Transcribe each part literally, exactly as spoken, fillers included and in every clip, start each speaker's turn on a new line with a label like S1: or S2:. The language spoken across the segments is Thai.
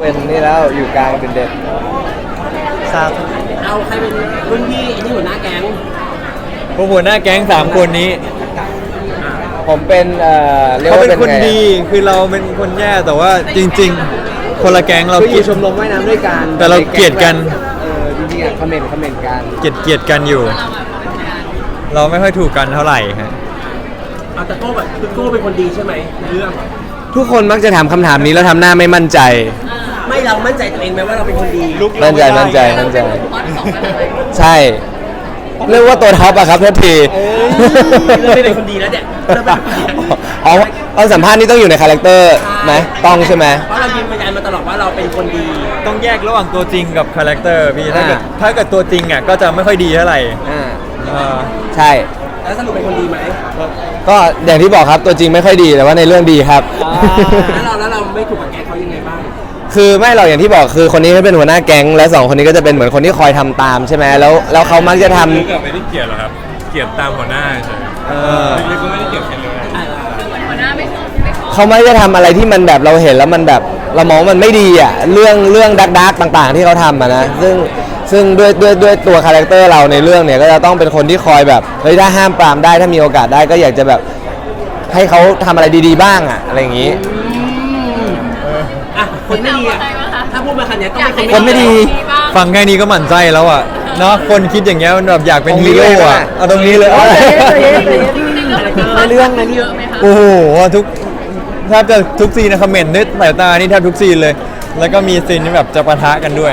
S1: เป็นนี่แล้วอยู่กลางเป็นเด็ดทราบ
S2: เอาใครเป็นรุ่นพี่ไอ้นี่หัวหน้าแก๊ง
S3: พวกหัวหน้าแก๊งสามคนนี้
S1: ผมเป็นเอ่อ
S3: เขาเป็นคนดีคือเราเป็นคนแย่แต่ว่าจริงๆคนละแก๊งเรา
S1: คืออยู่ชมรมว่ายน้ำด้วยกัน
S3: แต่เราเกลียดกัน
S1: เออจริงๆอ่ะคอมเมนต์คอมเมนต์กัน
S3: เกลียดเกลียดกันอยู่เราไม่ค่อยถูกกันเท่าไหร่ฮะ
S2: เอาแต่โก้แบบคือโก้เป็นคนดีใช่ไหมเรื่อง
S1: ทุกคนมักจะถามคำถามนี้แล้วทำหน้าไม่มั่นใจ
S2: ไม่เรามั่นใจตัวเองไหมว่าเราเป็นคนดี
S1: มั่นใจมั่นใจมั่นใจใช่เรียกว่าตัวท็อปอะครับทันที
S2: เราไม่เป็นคนดีแล้วเนี่ย
S1: อ๋อตอนสัมภาษณ์นี่ต้องอยู่ในคาแรคเตอร์ไหมต้องใช่ไหม
S2: เพราะเรายืนยันมาตลอดว่าเราเป็นคนดี
S3: ต้องแยกระหว่างตัวจริงกับคาแรคเตอร์พี่ถ้าเกิดถ้าเกิดตัวจริงอ่ะก็จะไม่ค่อยดีเท่าไหร่
S1: อ่าใช่
S2: แล้วสรุปเป็นคนดีไหม
S1: ก็อย่างที่บอกครับตัวจริงไม่ค่อยดีแต่ว่าในเรื่องดีครับ
S2: แล้วเราแล้วเราไม่ถูกกับแกเขายังไงบ้าง
S1: คือไม่เราอย่างที่บอกคือคนนี้เขาเป็นหัวหน้าแก๊งและสองคนนี้ก็จะเป็นเหมือนคนที่คอยทำตามใช่ไหมแล้วแล้วเขามักจะทำ
S3: ไม่ได้เกลียดหรอครับเกลียดตามหัวหน้าใช่เออไม่ก็ไม่ได้เกลียดใครเลย
S4: หัวหน้าไม่ไม่
S1: เขาไม่ได้ทำอะไรที่มันแบบเราเห็นแล้วมันแบบเรามองมันไม่ดีอ่ะเรื่องเรื่องดักดักต่างๆที่เขาทำอ่ะนะซึ่งซึ่งด้วยด้วยด้วยตัวคาแรคเตอร์เราในเรื่องเนี่ยก็จะต้องเป็นคนที่คอยแบบเฮ้ยถ้าห้ามปรามได้ถ้ามีโอกาสได้ก็อยากจะแบบให้เขาทำอะไรดีๆบ้างอ่ะอะไรอย่างนี้
S2: อ่ะคนไม่ดีอ่ะถ้าพูดมาขนาดนี้ต้องเป็น
S1: คนไม่ดี
S3: ฟังแค่นี้ก็หมั่นไส้แล้วอ่ะเนาะคนคิดอย่างเงี้ยมันแบบอยากเป็นฮีโร่อ่ะเอาตรงนี้เลย
S1: ในเรื่องนั้น
S4: เยอะไหมคะ
S3: โอ้โหทุกแทบจะทุกซีนนะคอมเมนต์ด้วยสายตานี่แทบทุกซีนเลยแล้วก็มีซีนที่แบบจะปะทะกันด้วย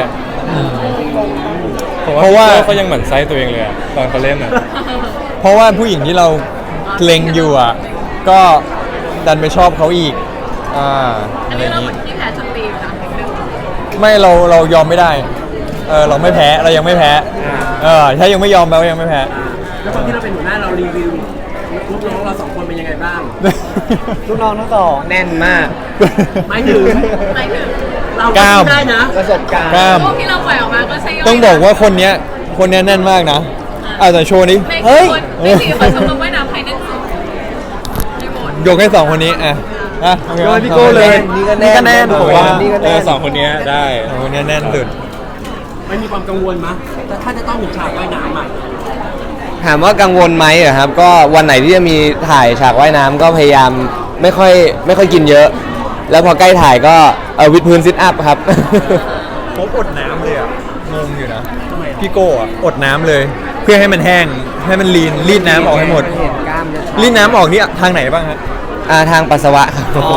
S3: เพราะว่าเขายังหมั่นไส้ตัวเองเลยตอนเขาเล่นอ่ะเพราะว่าผู้หญิงที่เราเล็งอยู่อ่ะก็ดันไปชอบเขาอีกอ่า
S4: อันนี้เราเหมือนที่แพ้สตีนะ
S3: ไม่เราเรายอมไม่ได้เออเราไม่แพ้เรายังไม่แพ้เออถ้ายังไม่ยอมแปลว่ายังไม่แพ้
S2: แล้วตอนที่เราเป็นหัวหน้าเรารีวิวลูกน้องเราสองคนเป็นยังไงบ้าง
S1: ลูกน้องทั้งสองแน่นมาก
S2: ไม่ถึง
S4: ไม่ถึง
S2: เราได้นะ
S1: ประสบการณ์
S4: พวกที่เราปล่อยออกมาก็ใช่
S3: ต้องบอกว่าคนเนี้ยคนเนี้ยแน่นมากนะอาจจะโชว์นี้
S4: เฮ้ยในสี่คนชมรมว่ายน้ำใครแน่นสุด
S3: ยกให้สองคนนี้อ่ะอ่ะ
S1: โดยพี่โก้เลย
S3: นี่ก็แน่นผมว่าเออสองคนนี้ได้สองคนนี้แน่นสุด
S2: ไม่มีความกังวลมั้ยแต่ถ้าจะต้องมีฉากว่ายน้ำอ่ะ
S1: ถามว่ากังวลไหมอะครับก็วันไหนที่จะมีถ่ายฉากว่ายน้ำก็พยายามไม่ค่อยไม่ค่อยกินเยอะแล้วพอใกล้ถ่ายก็เออวิดพื้นซิทอัพครับ
S3: ผมอดน้ำเลยอ่ะงงอยู่นะพี่โก้อ่ะอดน้ำเลยเพื่อให้มันแห้งให้มันลีนรีดน้ำออกให้หมดรีดน้ำออกนี่ทางไหนบ้างฮะ
S1: อ่าทางปัสสาวะครับ
S3: อ๋อ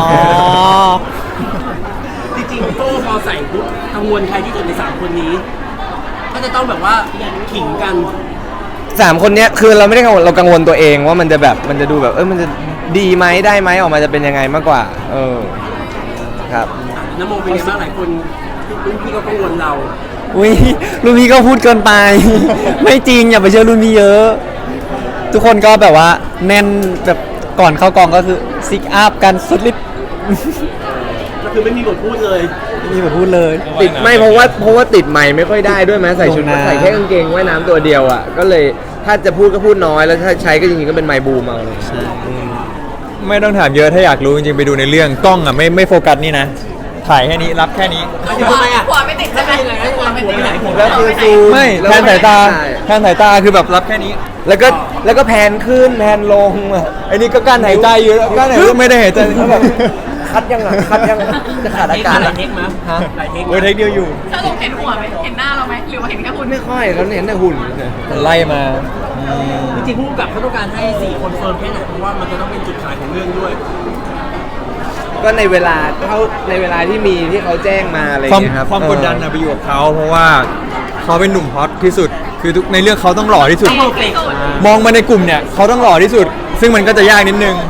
S2: จริงๆโก้พอใส่ปุ๊บกังวลใครที่สุดในสามคนนี้ก็จะต้องแบบว่าขิงกัน
S1: สามคนเนี้ยคือเราไม่ได้กังวลเรากังวลตัวเองว่ามันจะแบบมันจะดูแบบเออมันจะดีไหมได้ไหมออกมาจะเป็นยังไงมากกว่าเออครับ
S2: น้ำโมเป็นยังไงบ้างหลายคนรุ่นพี่ก็กังวลเรา
S1: อุ้ยรุ่นพี่ก็พูดเกินไปไม่จริงอย่าไปเชื่อรุ่นพี่เยอะทุกคนก็แบบว่าแน่นแบบก่อนเข้ากองก็คือซิกอัพกันสุดฤทธิ์
S2: ก็คือไม่มีบทพูดเลย
S1: ไม่มีบทพูดเลยติดไม่เพราะว่าเพราะว่าติดใหม่ไม่ค่อยได้ด้วยไหมใส่ชุดใส่แค่กางเกงว่ายน้ำตัวเดียวอ่ะก็เลยถ้าจะพูดก็พูดน้อยแล้วถ้าใช้ก็จริงๆก็เป็นไมค์บูมเอาเลย
S3: ไม่ต้องถามเยอะถ้าอยากรู้จริงๆไปดูในเรื่องกล้องอ่ะไม่ไม่โฟกัสนี่นะถ่ายแค่นี้รับแค่นี้
S2: ทำไมอ่ะ
S4: หัวไม่ติดใช่ไหมหัวไม่ติด
S1: แล้วคือซูม
S3: ไม่แทนสายตาแทนสายตาคือแบบรับแค่นี้
S1: แล้วก็แล้วก็แพนขึ้นแพนลง
S3: ไอ้นี่ก็กั้นหายใจอยู่กั้นหายใจไม่ได้หายใจแบบ
S1: คัดยังอ่ะคัดยังจะขาดอากาศ
S2: หลายเทคมั้ยฮะหลายเทค
S3: เออเทคเดียวอยู่
S4: ถ้าลงเห็นหัวไหมเห็นหน้าเราไหมหรือว่าเห็นแค่หุ่น
S1: ไม่ค่อยเราเห็นแต่หุ่น
S3: ไล่มา
S2: จริงๆผู้กำกับเขาต้องการให้สี่คนเฟิร์มแค่ไหนเพราะว่ามันจะต้องเป็นจุดขายของเรื่องด้วย
S1: ก็ในเวลาเขาในเวลาที่มีที่เขาแจ้งมาอะไรอย่างเงี้ยครับ
S3: ความกดดันนะไปอยู่กับเขาเพราะว่าเขาเป็นหนุ่มฮอตที่สุดคือทุกในเรื่องเขาต้องหล่อที่สุดมองมาในกลุ่มเนี่ยเขาต้องหล่อที่สุดซึ่งมันก็จะยากนิดนึง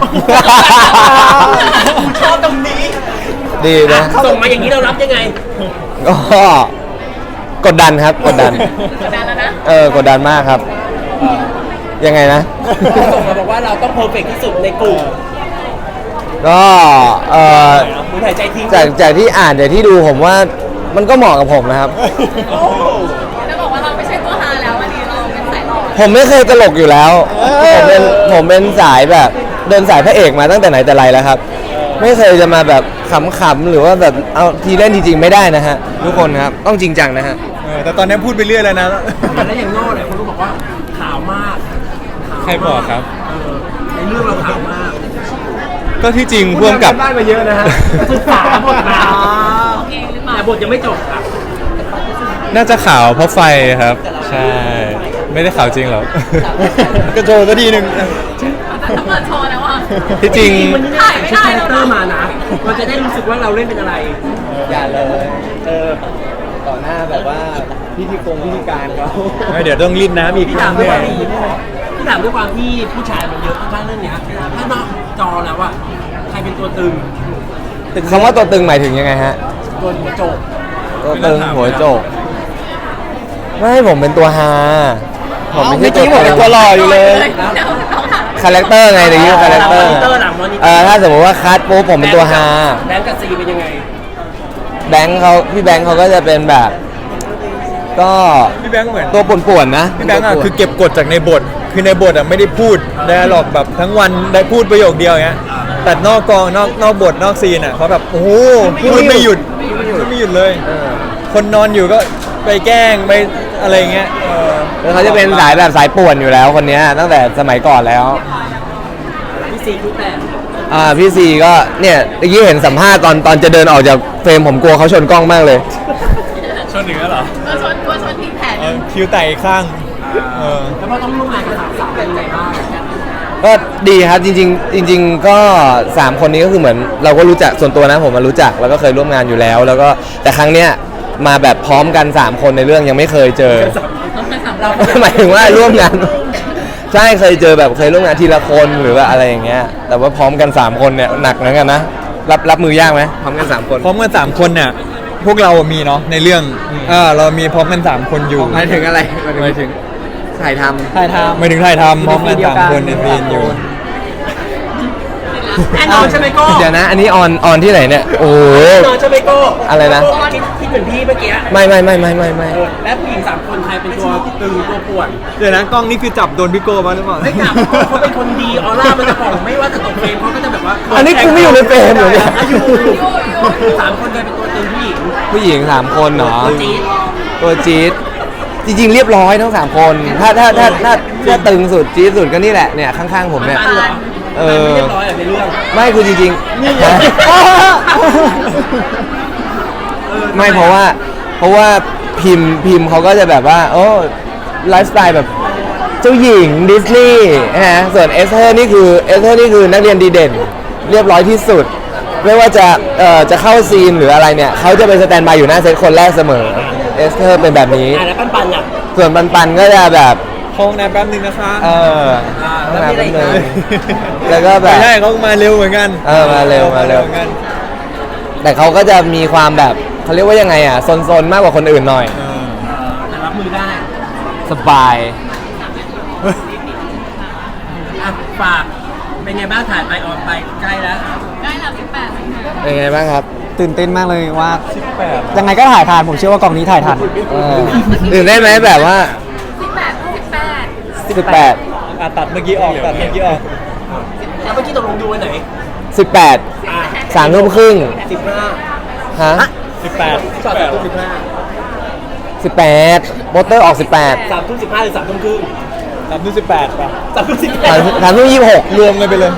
S2: ชอบตรงนี้
S1: ดีนะ
S2: ส่งมาอย่างนี้เรารับยังไง
S1: ก็กดดันครับกดดัน
S4: กดดันแล้วนะ
S1: เออกดดันมากครับยังไงนะ
S2: ส่งมาบอกว่าเราต้องเพอร์เฟกต์ที่สุดในกลุ่ม
S1: ก็เอ่อจากจากที่อ่านจากที่ดูผมว่ามันก็เหมาะกับผมนะครับ
S4: จะบอกว่าเราไม่ใช่ตัวฮาแล้ววันนี้เราเป็นสายหล่อ
S1: ผมไม่เคยตลกอยู่แล้วผมเป็นผมเป็นสายแบบเดินสายพระเอกมาตั้งแต่ไหนแต่ไรแล้วครับไม่เคยจะมาแบบขำๆหรือว่าแบบเอาทีเล่นจริงๆไม่ได้นะฮะทุกคนครับต้องจริงจังนะฮะ
S3: เออแต่ตอนนี้พูดไปเรื่อยแล้วนะ
S2: แล้วอย่างโน่เนี่ยคนก็บอกว่าขาวมากขาวมาก
S3: ใครบอกครับ
S2: เออในเรื่องเราขาวมาก
S3: ก็ที่จริงพ่วงกับ
S1: บ้านมาเยอะนะฮะ
S2: ศึกษาบทมา
S4: เองหรือเปล่า
S2: แต่บทยังไม่จบครับ
S3: น่าจะขาวเพราะไฟครับ ใช่ ไม่ได้ขาวจริงหรอก ก็โชว์สักทีหนึ่ง
S4: แต่ถ้าเปิดโชว์แล้วอ่ะ
S3: ที่จริง
S2: มันไม่ได้ใช้คาแรคเตอร์มานะเราจะได้รู้สึกว่าเราเล่นเป็นอะไร
S1: อย่าเลยเออต่อหน้าแบบว่าพิธีกรพิธีการเขา
S3: ไม่เดี๋ยวต้องรีดน้ำอีก
S2: พี่ถามด้วยความที่พี่ถามด้วยความที่ผู้ชายมันเยอะข้างๆเรื่องเนี้ยถ้านอกจอแล้วอะใครเป็นตัวตึง
S1: คำว่าตัวตึงหมายถึงยังไงฮะ
S2: ตัวหัวโจก
S1: ตัวตึงหัวโจกไม่ผมเป็นตัวฮาผมไม่ใช่ตัวผมเป็นตัวหล่ออยู่เลย
S4: เดี๋ยวน้องถาม
S1: คาแรคเตอร์ไงในยี่คาแรคเตอร์
S2: มอนิเตอร์หลังมอนิเต
S1: เอ
S2: อ
S1: อ
S2: ร์
S1: ถ้าสมมติว่าคัดปุ๊บผมเป็นตัวฮา
S2: แบงก์กับซีเป็นยังไง
S1: แบงค์เขาพี่แบงค์เขาก็จะเป็นแบบ ก็
S3: พี่แบงค์เหมือน
S1: ตัวป่วนๆนะ
S3: พี่แบงค์อ่ะคือเก็บกดจากในบท คือในบทอ่ะไม่ได้พูดไดอะล็อกแบบทั้งวันได้พูดประโยคเดียวอย่างเงี้ย แต่นอกกองนอกนอกบทนอกซีนอ่ะเขาแบบโอ้โหพูดไม่หยุดพูดไม่หยุดเลย คนนอนอยู่ก็ไปแกล้งไปอะไรเงี้ยเออ
S1: แล้วเขาจะเป็นสายแบบสายป่วนอยู่แล้วคนเนี้ยตั้งแต่สมัยก่อนแล้ว
S2: พี่ซีคือแต่
S1: อ่าพี่ซีก็เนี่ยเมื่อกี้เห็นสัมภาษณ์ตอนตอนจะเดินออกจากเฟรมผมกลัวเขาชนกล้องมากเลย
S3: ชนเหนือเหรอ
S4: ตัวชนตัวชนทีแผน
S3: เออคิวไต่อีกข้างเออ
S2: แล้วพอต้องร่วมงานกับสาวสาวเป็นยังไงบ้าง
S1: ก็ดีครับจริงๆจริง ๆ ก็สามคนนี้ก็คือเหมือนเราก็รู้จักส่วนตัวนะผมมารู้จักแล้วก็เคยร่วมงานอยู่แล้ว แล้วก็แต่ครั้งเนี้ยมาแบบพร้อมกันสามคนในเรื่องยังไม่เคยเจอ
S4: ต้องไปสำ
S2: เรา
S4: รับ
S1: หมายถึงว่าร่วมงาน ใช่เคยเจอแบบเคยร่วมงานทีละคนหรือว่าอะไรอย่างเงี้ยแต่ว่าพร้อมกันสามคนเนี่ยหนักเหมือนกันนะรับรับมือยากไหมพร้อมกันสามคน
S3: พร้อมกันสามคนเนี่ยพวกเรามีเนาะในเรื่องเออเรามีพร้อมกันสามคนอยู่
S1: หมายถึงอะไร
S3: หมายถึง
S1: ถ่ายทำ
S3: ถ่ายทำหมายถึงถ่ายทำพร้อมกันสามคนในซีนอยู่
S2: แน่นอนใช่ไหมโก้
S1: เดี๋ยวนะ อันนี้ออนออนที่ไหนเนี่ยโอ้โห
S2: แน่นอนใช่ไหมโก้
S1: อะไรนะ
S2: คิดคิดเหมือนพี่เมื่อกี้
S1: ไม่ไม่ไม่ไม่ไม่ไม่
S2: เออและผู้หญิงสามคนใครเป็นตัวตึงตัวป่วน
S3: เดี๋ยวนะกล้องนี่คือจับโดนพี่โก้มาหรือเปล่า
S2: ไม่กลับเขาเป็นคนดีออร่ามันจะผ่องไม่ว่าจะตกเฟรมเขาก็จะแบบว่า
S1: อันนี้กูไม่อยู่ในเฟรมเหรอเนี่ย
S2: อยู่สามคนใครเป็นตัวตึงผู้หญิง
S1: ผู้หญิงสามคนเนาะ
S2: ตัวจี๊ด
S1: ตัวจี๊ดจริงๆเรียบร้อยทั้งสามคน ถ้าถ้าถ้าถ้าถ้าตึงสุดจี๊ดสุดก็นี่แหละเนี่ยข้างๆผมเนี่ย
S2: ปันเหรอ
S1: เออ
S2: ไม่เรียบร้อยเหรอในเรื่อง
S1: ไม่คือจริงๆฮะไม่เพราะว่าเพราะว่าพิมพ์พิมพ์เขาก็จะแบบว่าโอ้ไลฟ์สไตล์แบบเจ้าหญิงดิสนีย์นะส่วนเอสเธอร์นี่คือเอสเธอร์นี่คือนักเรียนดีเด่น เรียบร้อยที่สุด ไม่ว่าจะเอ่อจะเข้าซีนหรืออะไรเนี่ยเขาจะเป็นสแตนบายอยู่หน้าเซตคนแรกเสมอเอสเธอร์เป็นแบบนี้
S2: อ่ะแล้วปันปันอ่ะ
S1: ส่วนปันปันก็จะแบบ
S3: ห้องน้ำแป๊บนึงนะคะ
S1: เออ
S2: อ่า
S1: ต้อง
S2: แล้ว
S1: มา
S2: มีอะไร
S1: แป๊บ
S2: อีก
S1: นึ
S2: นะ
S1: งแล้วก็แบ
S3: ไม่
S1: บ
S3: ใช่เขามาเร็วเหมือนกัน
S1: เออมาเร็วมาเร็ว
S3: หอนกัน
S1: แต่เขาก็จะมีความแบบเขาเรียกว่ายังไงอ่ะซนๆมากกว่าคนอื่นหน่อย
S3: เออ
S2: แต่รับมือได้
S1: สบาย
S2: อ่ะฝากเป็นไงบ้างถ่ายไปออนไปใกล้แล้ว
S4: ได้แล้วสิบแปด
S1: เป็นไงบ้างครับ
S5: ตื่นเต้นมากเลยว่า
S3: สิบแปด
S5: ยังไงก็ถ่ายทันผมเชื่อว่ากองนี้ถ่ายทัน
S1: เออตื่นได้นไหมแบบว่า
S4: สิบแปดสิบแปด
S1: สิบแปด
S3: อ่ะตัดเมื่อกี้ออกตัดเมื่อกี้ออก
S2: แล้วเมื่อกี้ตกลงดูวันไหน
S1: สิบแปด
S2: อ่ะ
S1: สามทุ่มครึ่ง
S2: สิบห้า
S1: ฮะ
S3: สิบแปด
S2: จอดสามทุ่มสิบห้า
S1: สิบแปดโปสเตอร์ออกสิบแปด
S2: สามทุ่มสิบห้าหรือสามทุ่มครึ่ง
S3: สามทุ่มสิบแปดป่ะ
S2: สามทุ่มสิบแป
S1: สา
S2: ด
S1: มสามทุ่มยี่สิบหก
S3: รวมกันไปเลย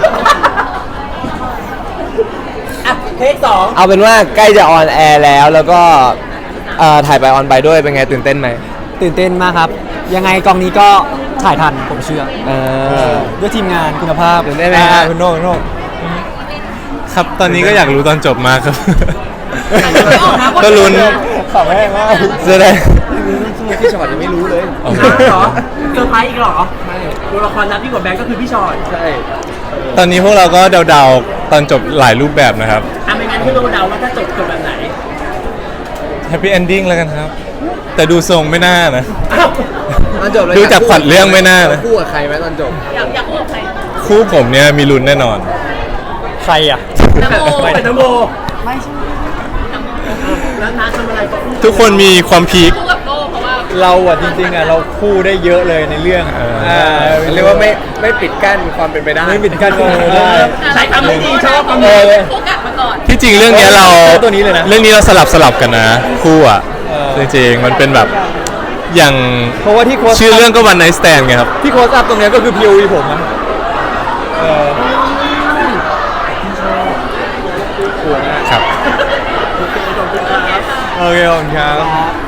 S2: อ่ะเทคสอง
S1: เอาเป็นว่าใกล้จะออนแอร์แล้วแล้วก็เอ่อถ่ายไปออนไปด้วยเป็นไงตื่นเต้นไหม
S5: ตื่นเต้นมากครับ ยังไงกองนี้ก็ถ่ายทันผมเชื่อ
S1: เออ
S5: ด้วยทีมงานคุณภาพ
S1: ตื่นเต้นไหม
S3: อ่า
S1: ฮะ
S3: คุณโน่คุณโน่
S6: ครับ ตอนนี้ก็อยากรู้ตอนจบมากครับ
S4: ไม่ออกมาหมด
S6: ก็ลุ้น
S3: ขำแห้งมาก
S1: แสดง
S5: พี่ชอตยังไม่รู้เลย
S6: โอ้โห
S2: เหรอเซอร์ไพรส์อีกเหรอไม่ตัวละครนับที่กว่าแบงก์ก็คือพี่ชอต
S1: ใช่
S6: ตอนนี้พวกเราก็เดาๆ ตอนจบหลายรูปแบบนะครับ
S2: อ่ะไม่งั้นที่เราเดาว่าถ้าจบจบแบบไหน
S6: Happy Ending แล้วกันครับ แต่ดูทรงไม่น่านะ
S2: อ้าว
S1: ตอนจบเลย
S6: ดูจากพล็อตเรื่องไม่น่านะ
S1: คู่กับใครไหมตอนจบ
S4: อยากอยากพูดกับใคร
S6: คู่ผมเนี่ยมีลุ้นแน่นอน
S3: ใครอ่ะ
S4: นะโม
S2: เป็นนโม
S4: ไม่ใช่นะโม
S2: แล้วน้าทำอะไรก็
S6: ทุกคนมีความพีค
S4: คู่กับโก้เพราะว่า
S3: เราอ่ะจริงๆอ่ะเราคู่ได้เยอะเลยในเรื่องอ่า
S1: เรียกว่าไม่ไม่ปิดกั้นความเป็นไปได้
S3: ไม่ปิดกั้นความเป็นไปได้
S2: ใช้คำไม่ดีชอบคำ
S3: เอ
S2: นี้
S3: อ
S4: คู่กัดมาก่อน
S6: ที่จริงเรื่องเนี้ยเรา
S3: ตัวนี้เลยนะ
S6: เรื่องนี้เราสลับสลับกันนะ คู่อ่ะ
S3: เออ
S6: จริงๆมันเป็นแบบอย่าง
S3: เพราะว่าที่โค้ช
S6: ชื่อเรื่องก็วันไนท์สแตนไงครับ
S3: ที่โค้ชอัพตรงเนี้ยก็คือ พี โอ วี ผมอะเออ
S6: ครับ
S3: โอเคขอบคุณครับ